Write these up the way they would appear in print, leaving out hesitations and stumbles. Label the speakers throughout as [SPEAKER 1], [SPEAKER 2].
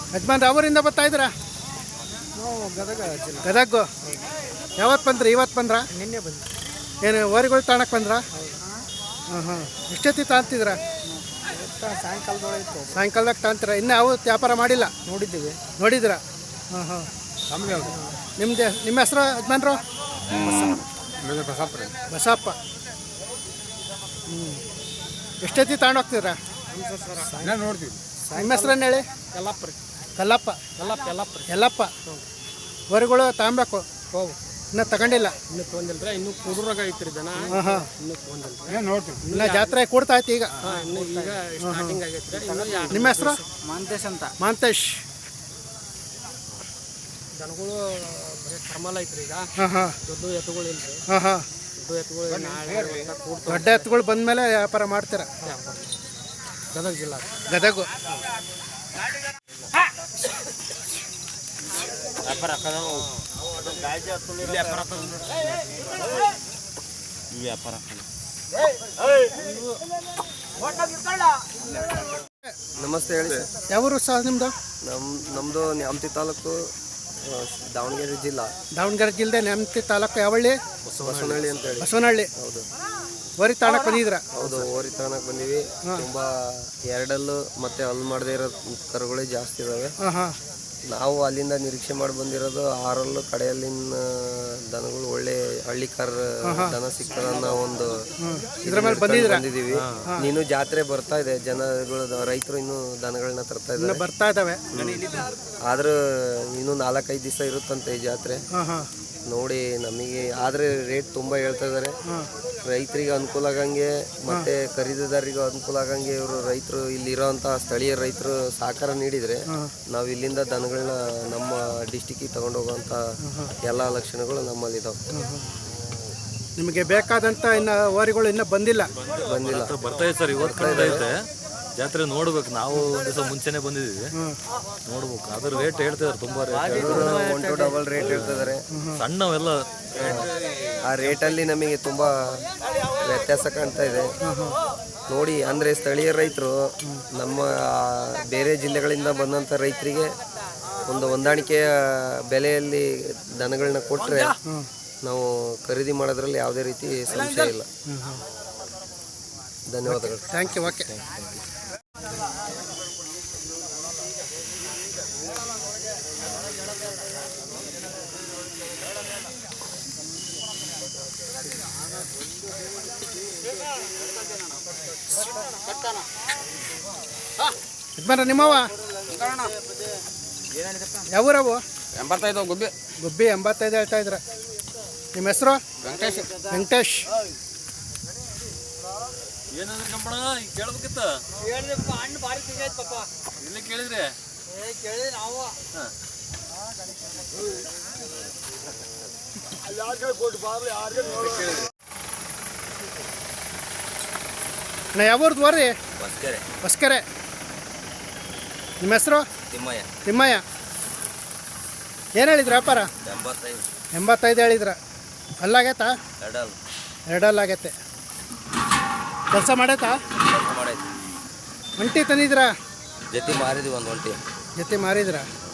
[SPEAKER 1] ಯಜಮಾನ್ರು ಅವರಿಂದ ಬರ್ತಾ ಇದ್ದೀರಾ?
[SPEAKER 2] ನಾವು ಗದಗ ಜಿಲ್ಲೆ.
[SPEAKER 1] ಗದಗ. ಯಾವತ್ತು ಬಂದ್ರಿ? ಇವತ್ತು ಬಂದ್ರ?
[SPEAKER 2] ನಿನ್ನೆ ಬಂದು.
[SPEAKER 1] ಏನು ಓರಿಗಳು ತಾಣಕ್ಕೆ ಬಂದ್ರ? ಹಾಂ ಹಾಂ. ಎಷ್ಟೊತ್ತಿ ತಾಂತಿದ್ರ?
[SPEAKER 2] ಸಾಯಂಕಾಲದೊಳಗೆ ಇತ್ತು.
[SPEAKER 1] ಸಾಯಂಕಾಲದಾಗ ತಾಂತೀರ? ಇನ್ನೂ ಯಾವ ವ್ಯಾಪಾರ ಮಾಡಿಲ್ಲ?
[SPEAKER 2] ನೋಡಿದ್ದೀವಿ.
[SPEAKER 1] ನೋಡಿದ್ರ? ಹಾಂ ಹಾಂ. ನಿಮ್ಮ ಹೆಸರು ಯಜಮಾನ್ರು? ಬಸಪ್ಪ. ಎಷ್ಟೊತ್ತಿ ತಗೊಂಡು ಹೋಗ್ತಿದ್ರ?
[SPEAKER 2] ನೋಡ್ತೀವಿ.
[SPEAKER 1] ನಿಮ್ಮ ಹೆಸ್ರನ್ನ ಹೇಳಿ.
[SPEAKER 2] ಯಲ್ಲಪ್ಪ ರೀ.
[SPEAKER 1] ಕಲ್ಲಪ್ಪ.
[SPEAKER 2] ಯಲ್ಲಪ್ಪ ರೀ.
[SPEAKER 1] ಎಲ್ಲಪ್ಪ. ಹೊರಗಳು ತಗೊಬೇಕು.
[SPEAKER 2] ಹೋಗು.
[SPEAKER 1] ಇನ್ನೂ ತಗೊಂಡಿಲ್ಲ?
[SPEAKER 2] ಇನ್ನೂ ತೊಗೊಂದಿಲ್ಲ ರೀ. ಇನ್ನೂ ಕುದುರಾಗ ಐತ್ರಿ ಜನ.
[SPEAKER 1] ಹಾಂ ಹಾಂ.
[SPEAKER 2] ಇನ್ನೂ ತೊಗೊಂದಿಲ್ಲ.
[SPEAKER 1] ನೋಡ್ತೀವಿ. ಇನ್ನು ಜಾತ್ರೆ ಕೂಡ್ತಾ ಐತಿ ಈಗ.
[SPEAKER 2] ಹಾಂ, ಇನ್ನೂ ಈಗ ಸ್ಟಾರ್ಟಿಂಗ್ ಆಗೈತೆ ರೀ.
[SPEAKER 1] ನಿಮ್ಮ ಹೆಸರು?
[SPEAKER 2] ಮಾಂತೇಶ್ ಅಂತ.
[SPEAKER 1] ಮಾಂತೇಶ್.
[SPEAKER 2] ಜನಗಳು ಬರೀ ಥರ್ಮಲ್ ಐತ್ರಿ ಈಗ.
[SPEAKER 1] ಹಾಂ ಹಾಂ.
[SPEAKER 2] ದೊಡ್ಡ ಎತ್ತುಗಳು ಇಲ್ರಿ.
[SPEAKER 1] ಹಾಂ ಹಾಂ.
[SPEAKER 2] ದೊಡ್ಡ ಎತ್ತುಗಳು ನಾಳೆ ಕೂಡ್ತಾವೆ.
[SPEAKER 1] ದೊಡ್ಡ ಎತ್ತುಗಳು ಬಂದಮೇಲೆ ವ್ಯಾಪಾರ ಮಾಡ್ತೀರ?
[SPEAKER 2] ಗದಗ ಜಿಲ್ಲಾ.
[SPEAKER 1] ಗದಗು.
[SPEAKER 3] ನಮಸ್ತೆ, ಹೇಳಿ ಸರ್.
[SPEAKER 1] ಯಾವೂರು ಸಹ ನಿಮ್ಮದು?
[SPEAKER 3] ನಮ್ಮದು ನ್ಯಾಮತಿ ತಾಲೂಕು, ದಾವಣಗೆರೆ ಜಿಲ್ಲಾ.
[SPEAKER 1] ದಾವಣಗೆರೆ ಜಿಲ್ಲೆ ನ್ಯಾಮತಿ ತಾಲೂಕು. ಯಾವಳ್ಳಿ?
[SPEAKER 3] ಬಸವನಹಳ್ಳಿ ಅಂತ ಹೇಳಿ.
[SPEAKER 1] ಬಸವನಹಳ್ಳಿ.
[SPEAKER 3] ಹೌದು.
[SPEAKER 1] ಓರಿ ತಾಣಕ್ಕೆ ಬಂದಿದ್ರ?
[SPEAKER 3] ಹೌದು, ಓರಿ ತಗೊಳಕ್ ಬಂದೀವಿ. ತುಂಬಾ ಎರಡಲ್ಲು ಮತ್ತೆ ಅಲ್ಲಿ ಮಾಡದೇ ಇರೋ ಕರುಗಳೇ ಜಾಸ್ತಿ ಇದಾವೆ.
[SPEAKER 1] ಹಾಂ ಹಾಂ.
[SPEAKER 3] ನಾವು ಅಲ್ಲಿಂದ ನಿರೀಕ್ಷೆ ಮಾಡಿ ಬಂದಿರೋದು ಆರಲ್ಲು ಕಡೆಯಲ್ಲಿನ ದನಗಳು ಒಳ್ಳೆ ಹಳ್ಳಿಕಾರ ದನ ಸಿಗ್ತದನ್ನ ಒಂದು
[SPEAKER 1] ಇದ್ರ ಮೇಲೆ
[SPEAKER 3] ಬಂದಿದ್ದೀವಿ. ನೀನು ಜಾತ್ರೆ ಬರ್ತಾ ಇದೆ, ಜನಗಳು ರೈತರು ಇನ್ನು ದನಗಳನ್ನ ತರ್ತಾ ಇದ್ದಾರೆ,
[SPEAKER 1] ಬರ್ತಾ ಇದಾವೆ.
[SPEAKER 3] ಆದ್ರೂ ಇನ್ನು 4-5 ದಿವಸ ಇರುತ್ತಂತೆ ಈ ಜಾತ್ರೆ.
[SPEAKER 1] ಹಾಂ ಹಾಂ.
[SPEAKER 3] ನೋಡಿ ನಮಗೆ ಆದರೆ ರೇಟ್ ತುಂಬ ಹೇಳ್ತಾ ಇದ್ದಾರೆ. ರೈತರಿಗೆ ಅನುಕೂಲ ಆಗಂಗೆ ಮತ್ತೆ ಖರೀದಿದಾರರಿಗೂ ಅನುಕೂಲ ಆಗಂಗೆ ಇವರು ರೈತರು ಇಲ್ಲಿರೋಂಥ ಸ್ಥಳೀಯ ರೈತರು ಸಹಕಾರ ನೀಡಿದರೆ ನಾವು ಇಲ್ಲಿಂದ ದನಗಳನ್ನ ನಮ್ಮ ಡಿಸ್ಟಿಕ್ಕಿಗೆ ತಗೊಂಡೋಗುವಂಥ ಎಲ್ಲ ಲಕ್ಷಣಗಳು ನಮ್ಮಲ್ಲಿದ್ದಾವೆ.
[SPEAKER 1] ನಿಮಗೆ ಬೇಕಾದಂಥ ಇನ್ನು ಓರಿಗಳು ಇನ್ನೂ ಬಂದಿಲ್ಲ?
[SPEAKER 4] ಬರ್ತಾ ಇದೆ ಸರ್. ಇವತ್ತು ಜಾತ್ರೆ ನೋಡ್ಬೇಕು. ನಾವು ಒಂದು ದಿವಸ ಮುಂಚೆನೆ ಬಂದಿದ್ದೀವಿ, ನೋಡ್ಬೇಕು. ಅದ್ರ ರೇಟ್ ಹೇಳ್ತಿದಾರೆ, ತುಂಬಾ ರೇಟ್,
[SPEAKER 3] 1 to ಡಬಲ್ ರೇಟ್ ಹೇಳ್ತಿದ್ದಾರೆ.
[SPEAKER 4] ಸಣ್ಣವೆಲ್ಲ
[SPEAKER 3] ಆ ರೇಟಲ್ಲಿ ನಮಗೆ ತುಂಬ ವ್ಯತ್ಯಾಸ ಕಾಣ್ತಾ ಇದೆ. ನೋಡಿ, ಅಂದರೆ ಸ್ಥಳೀಯ ರೈತರು ನಮ್ಮ ಬೇರೆ ಜಿಲ್ಲೆಗಳಿಂದ ಬಂದಂಥ ರೈತರಿಗೆ ಒಂದು ಹೊಂದಾಣಿಕೆಯ ಬೆಲೆಯಲ್ಲಿ ದನಗಳನ್ನ ಕೊಟ್ಟರೆ ನಾವು ಖರೀದಿ ಮಾಡೋದ್ರಲ್ಲಿ ಯಾವುದೇ ರೀತಿ ಸಂಶಯ ಇಲ್ಲ. ಧನ್ಯವಾದಗಳು.
[SPEAKER 1] Thank you. ಓಕೆ. ಯಜಮಾನ್ರ ನಿಮ್ಮವ ಯಾವೂರವು?
[SPEAKER 2] 85 ಗುಬ್ಬಿ.
[SPEAKER 1] ಗುಬ್ಬಿ 85 ಹೇಳ್ತಾ ಇದ್ರ. ನಿಮ್ಮ ಹೆಸರು?
[SPEAKER 2] ವೆಂಕಟೇಶ್.
[SPEAKER 1] ವೆಂಕಟೇಶ್.
[SPEAKER 4] ಏನಂದ್ರೆ ಕಂಪಣ ಕೇಳ್ಬೇಕಿತ್ತ ಹಣ್ಣು ಭಾರಿ ಸಿಗೈತೆ ಪಾಪ. ಇಲ್ಲಿ ಕೇಳಿದ್ರೆ ಕೇಳಿದ್ರೆ ನಾವು
[SPEAKER 1] ನಾ ಯಾವೂರ್ದು ಬರ್ರಿ? ಹೊಸ್ಕೆರೆ. ನಿಮ್ಮ ಹೆಸರು?
[SPEAKER 3] ತಿಮ್ಮಯ್ಯ.
[SPEAKER 1] ತಿಮ್ಮಯ್ಯ. ಏನು ಹೇಳಿದ್ರಿ ವ್ಯಾಪಾರ? 85 ಹೇಳಿದ್ರ. ಅಲ್ಲಾಗೈತಾ? ಎರಡಲ್ಲಾಗೈತೆ. ಕೆಲಸ ಮಾಡೈತಾ? ಒಂಟಿ ತಂದಿದ್ರ?
[SPEAKER 3] ಜೊತೆ ಮಾರಿದ್ವಿ, ಒಂದು ಒಂಟಿ
[SPEAKER 1] ಜೊತೆ ಮಾರಿದ್ರ.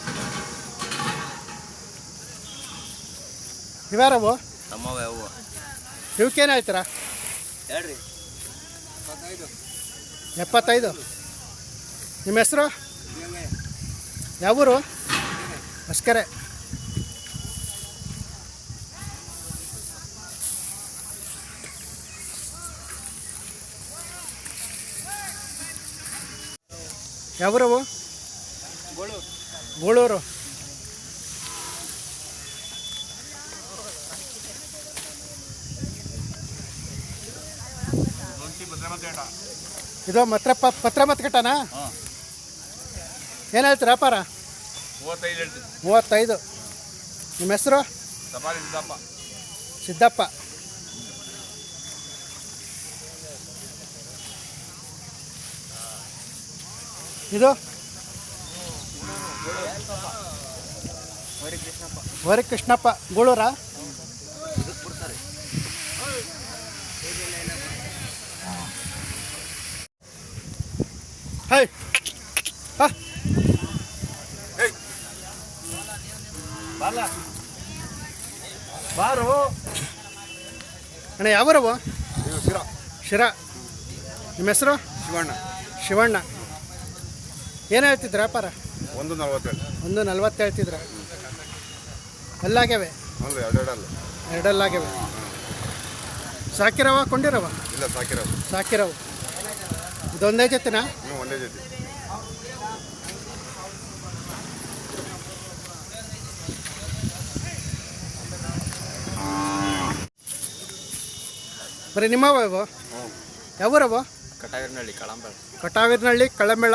[SPEAKER 1] ಇವ್ಯಾರವು?
[SPEAKER 3] ನಮ್ಮವ ಯಾವ
[SPEAKER 1] ಇವಕ್ಕೇನು ಹೇಳ್ತೀರಾ?
[SPEAKER 3] ಹೇಳ್ರಿ.
[SPEAKER 1] 75. ನಿಮ್ಮ ಹೆಸರು? ಯಾವೂರು? ಹೊಸ್ಕೆರೆ. ಯಾವೂರವು? ಗೋಳೂರು. ಇದು ಪತ್ರ ಮತ್ಕಟ್ಟನಾ? ಏನು ಹೇಳ್ತೀರ ವ್ಯಾಪಾರ? 35. ನಿಮ್ಮ ಹೆಸರು? ಸಿದ್ದಪ್ಪ. ಇದು ವರಿ ಕೃಷ್ಣಪ್ಪ. ಗೋಳೂರಾ? ಹೈ. ಅಣ್ಣ ಯಾವರವು? ಶಿರಾ. ನಿಮ್ಮ ಹೆಸರು?
[SPEAKER 5] ಶಿವಣ್ಣ.
[SPEAKER 1] ಶಿವಣ್ಣ. ಏನು ಹೇಳ್ತಿದ್ರ ವ್ಯಾಪಾರ?
[SPEAKER 5] 140.
[SPEAKER 1] 140 ಹೇಳ್ತಿದ್ರ. ಅಲ್ಲಾಗ್ಯವೆ?
[SPEAKER 5] ಹೌದು, ಎರಡೆರಡಲ್ಲ.
[SPEAKER 1] ಎರಡಲ್ಲಾಗ್ಯವೆ. ಸಾಕಿರವ ಕೊಂಡಿರವ?
[SPEAKER 5] ಇಲ್ಲ, ಸಾಕಿರೋದು.
[SPEAKER 1] ಸಾಕಿರವು. ಇದೊಂದೇ ಜೊತೆನಾ?
[SPEAKER 5] ಒಂದೇ ಜೊತೆ.
[SPEAKER 1] ಬರೀ ನಿಮ್ಮವ ಇವು? ಯಾವೂರವ?
[SPEAKER 2] ಕಟಾವಿನಹಳ್ಳಿ ಕಳಂಬಳ.
[SPEAKER 1] ಕಟಾವಿನಹಳ್ಳಿ ಕಳಂಬೆಳ.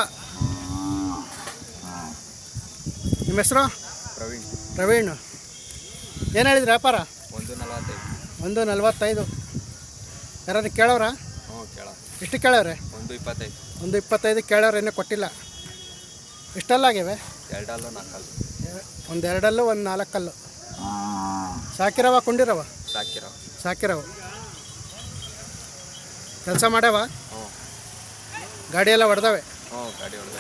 [SPEAKER 1] ನಿಮ್ಮ ಹೆಸರು?
[SPEAKER 2] ಪ್ರವೀಣ್.
[SPEAKER 1] ಪ್ರವೀಣ್. ಏನು ಹೇಳಿದ್ರಿ ವ್ಯಾಪಾರ?
[SPEAKER 2] 145.
[SPEAKER 1] 145. ಯಾರಾದ್ರು ಕೇಳೋರ?
[SPEAKER 2] ಹ್ಞೂ ಕೇಳ.
[SPEAKER 1] ಎಷ್ಟು ಕೇಳವ್ರೆ?
[SPEAKER 2] 125.
[SPEAKER 1] 125 ಕೇಳೋರು ಇನ್ನೂ ಕೊಟ್ಟಿಲ್ಲ. ಎಷ್ಟಲ್ಲಾಗಿವೆ?
[SPEAKER 2] 2 ಅಲ್ಲ 4 ಅಲ್ಲ.
[SPEAKER 1] ಒಂದು 2 ಅಲ್ಲು, ಒಂದು 4 ಅಲ್ಲು. ಸಾಕಿರವ ಕೊಂಡಿರವ?
[SPEAKER 2] ಸಾಕಿರೋ.
[SPEAKER 1] ಸಾಕಿರವ. ಕೆಲಸ ಮಾಡ್ಯಾವ?
[SPEAKER 2] ಹ್ಞೂ.
[SPEAKER 1] ಗಾಡಿ ಎಲ್ಲ ಹೊಡೆದವೆ?
[SPEAKER 2] ಹ್ಞೂ, ಗಾಡಿ ಹೊಡೆದ.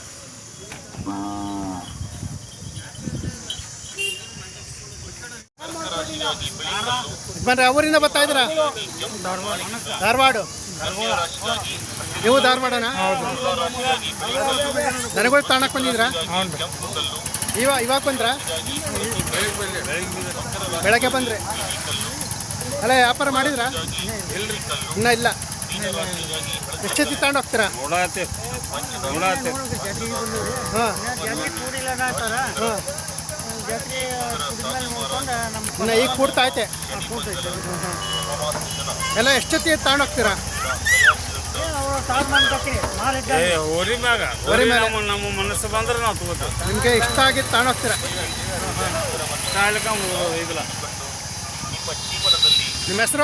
[SPEAKER 1] ಯಜಮಾನ್ರೆ ಅವರಿಂದ ಬರ್ತಾ ಇದ್ದೀರಾ? ಧಾರವಾಡ. ನೀವು ಧಾರವಾಡನಾ? ದನಗಳು ತಾಣಕ್ಕೆ ಬಂದಿದ್ರಾ? ಇವಾಗ ಬಂದ್ರಾ? ಬೆಳಗ್ಗೆ ಬಂದ್ರಿ. ಅಲ್ಲ, ವ್ಯಾಪಾರ ಮಾಡಿದ್ರಾ? ಇನ್ನೂ ಇಲ್ಲ. ಎಷ್ಟೊತ್ತಿ ತಗೊಂಡು ಹೋಗ್ತೀರಾ? ಹಾಂ. ಇನ್ನು ಈಗ ಕೂಡ್ತಾ ಐತೆ. ಎಲ್ಲ ಎಷ್ಟೊತ್ತಿ ತಗೊಂಡು ಹೋಗ್ತೀರಾ?
[SPEAKER 6] ನಮ್ಮ ಮನಸ್ಸು ಬಂದ್ರೆ ನಾವು ತಗೋತೀವಿ.
[SPEAKER 1] ನಿಮಗೆ ಇಷ್ಟ ಆಗಿದ್ದು ತಗೊಂಡು ಹೋಗ್ತೀರಾ?
[SPEAKER 6] ಇದಿಲ್ಲ.
[SPEAKER 1] ನಿಮ್ಮ ಹೆಸರು?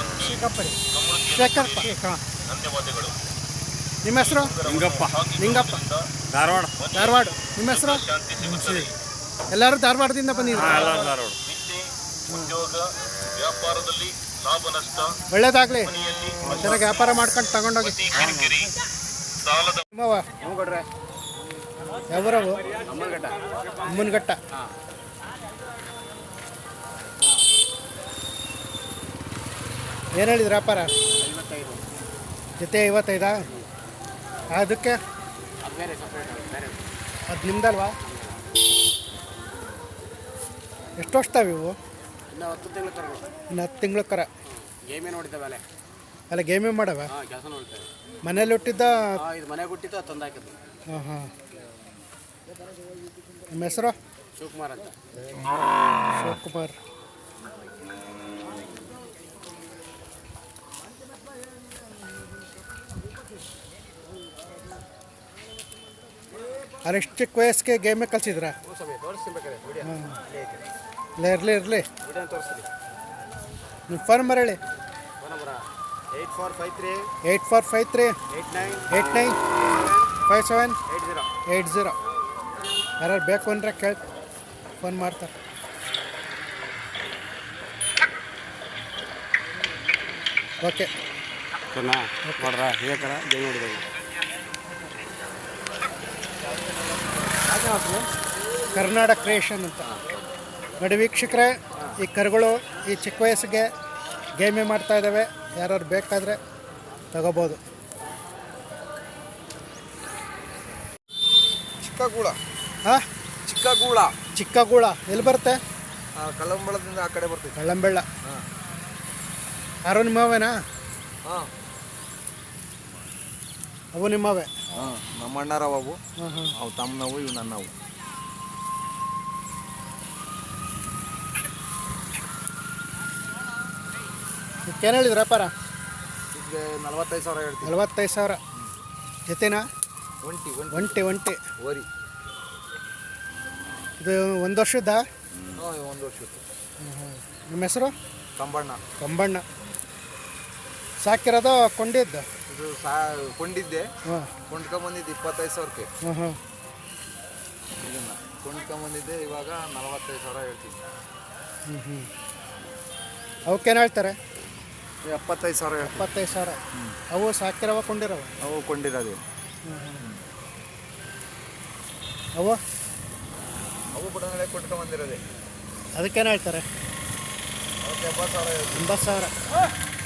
[SPEAKER 1] ಶೇಖರಪ್ಪ. ನಿಮ್ಮ ಹೆಸರು? ಲಿಂಗಪ್ಪ.
[SPEAKER 6] ಧಾರವಾಡ.
[SPEAKER 1] ಧಾರವಾಡ. ನಿಮ್ಮ ಹೆಸರು? ಎಲ್ಲರೂ ಧಾರವಾಡದಿಂದ ಬಂದಿದ್ರು.
[SPEAKER 6] ಧಾರವಾಡ.
[SPEAKER 1] ಒಳ್ಳೇದಾಗಲಿ. ಚೆನ್ನಾಗಿ ವ್ಯಾಪಾರ ಮಾಡ್ಕೊಂಡು ತಗೊಂಡೋಗಿ. ನಿಮ್ಮವ? ಯಾವೂರವು? ಅಮ್ಮನಘಟ್ಟ. ಏನು ಹೇಳಿದ್ರು ವ್ಯಾಪಾರ? ಜೊತೆ 55. ಅದಕ್ಕೆ ಅದು ನಿಮ್ದಲ್ವಾ? ಎಷ್ಟು ವರ್ಷತಾವೆ ಇವು?
[SPEAKER 2] ಇನ್ನು 10 ತಿಂಗಳು ಕರ.
[SPEAKER 1] ಇನ್ನು 10 ತಿಂಗಳು ಕರ.
[SPEAKER 2] ಗೇಮೇ ನೋಡಿದ್ದಾವೆ
[SPEAKER 1] ಅಲ್ಲ, ಗೇಮೇ ಮಾಡವ?
[SPEAKER 2] ಕೆಲಸ ನೋಡ್ತೇವೆ.
[SPEAKER 1] ಮನೇಲಿ ಹುಟ್ಟಿದ್ದ?
[SPEAKER 2] ಇದು ಮನೆಗೆ ಹುಟ್ಟಿದ್ದು ತಂದು ಹಾಕಿದ್ದು.
[SPEAKER 1] ಹಾಂ ಹಾಂ. ನಿಮ್ಮ ಹೆಸರು?
[SPEAKER 2] ಶಿವಕುಮಾರ್ ಅಂತ.
[SPEAKER 1] ಶಿವಕುಮಾರ್. ಅರೆಷ್ಟು ಚಿಕ್ಕ ವಯಸ್ಸಿಗೆ ಗೇಮೇ ಕಲಿಸಿದ್ರಾ? ಹಾಂ. ಇರಲಿ. ನಿಮ್ಮ ಫೋನ್ ನಂಬರ್ ಹೇಳಿ.
[SPEAKER 2] 8453
[SPEAKER 1] 8453 89 57 80. ಯಾರು ಬೇಕು ಅಂದರೆ ಕೇಳಿ ಫೋನ್ ಮಾಡ್ತಾರೆ. ಓಕೆ.
[SPEAKER 2] ನೋಡ್ರ ಹೇಗರ ಗೇಮ್ ನೋಡಿದಾಗ
[SPEAKER 1] ಕರ್ನಾಟಕ ಕ್ರಿಯೇಷನ್ ಅಂತ ನೋಡಿ ವೀಕ್ಷಕರೇ. ಈ ಕರುಗಳು ಈ ಚಿಕ್ಕ ವಯಸ್ಸಿಗೆ ಗೇಮೇ ಮಾಡ್ತಾ ಇದ್ದಾವೆ. ಯಾರು ಬೇಕಾದರೆ ತಗೋಬೋದು.
[SPEAKER 3] ಚಿಕ್ಕಗೂಳ.
[SPEAKER 1] ಹಾಂ,
[SPEAKER 3] ಚಿಕ್ಕಗೂಳ.
[SPEAKER 1] ಚಿಕ್ಕಗೂಳ ಎಲ್ಲಿ ಬರುತ್ತೆ?
[SPEAKER 3] ಕಳಂಬಳದಿಂದ ಆ ಕಡೆ ಬರ್ತೈತೆ.
[SPEAKER 1] ಕಳ್ಳಂಬೆಳ್ಳ. ಯಾರೋ ನಿಮ್ಮವೇನಾ?
[SPEAKER 3] ಹಾಂ,
[SPEAKER 1] ಅವು ನಿಮ್ಮವೇ?
[SPEAKER 3] ಹಾಂ, ನಮ್ಮ ಅಣ್ಣರವು.
[SPEAKER 1] ಹಾಂ ಹಾಂ.
[SPEAKER 3] ಅವು ತಮ್ಮನವು, ಇವು ನನ್ನವು.
[SPEAKER 1] ಏನು ಹೇಳಿದ್ರು ವ್ಯಾಪಾರ?
[SPEAKER 3] ಈಗ 45,000 ಹೇಳ್ತೀವಿ.
[SPEAKER 1] 45,000 ಜೊತೆನಾ?
[SPEAKER 3] ಒಂಟಿ
[SPEAKER 1] ಒಂಟಿ.
[SPEAKER 3] ಓರಿ.
[SPEAKER 1] ಇದು 1 ವರ್ಷದ?
[SPEAKER 3] ಹಾಂ, 1 ವರ್ಷದ್ದು.
[SPEAKER 1] ನಿಮ್ಮ ಹೆಸರು?
[SPEAKER 3] ಕಂಬಣ್ಣ.
[SPEAKER 1] ಸಾಕಿರೋದು ಕೊಂಡಿದ್ದು?
[SPEAKER 3] ಇದು ಕೊಂಡಿದ್ದೆ.
[SPEAKER 1] ಹಾಂ.
[SPEAKER 3] ಕೊಂಡ್ಕೊಂಬಂದಿದ್ದು 25,000ಕ್ಕೆ.
[SPEAKER 1] ಹಾಂ ಹಾಂ.
[SPEAKER 3] ಇದನ್ನು ಕೊಂಡ್ಕೊಂಬಂದಿದ್ದೆ. ಇವಾಗ 45,000 ಹೇಳ್ತೀವಿ.
[SPEAKER 1] ಹ್ಞೂ ಹ್ಞೂ. ಅವಕ್ಕೇನು ಹೇಳ್ತಾರೆ?
[SPEAKER 3] 75,000 ಹೇಳ್ತೀವಿ.
[SPEAKER 1] 75,000. ಅವು ಸಾಕಿರವ ಕೊಂಡಿರವ?
[SPEAKER 3] ಅವು ಕೊಂಡಿರೋದು.
[SPEAKER 1] ಅವು
[SPEAKER 3] ಅವು ಕೂಡ ನಾಳೆ ಕೊಟ್ಕೊಂಬಂದಿರೋದೆ.
[SPEAKER 1] ಅದಕ್ಕೇನು ಹೇಳ್ತಾರೆ? 80,000.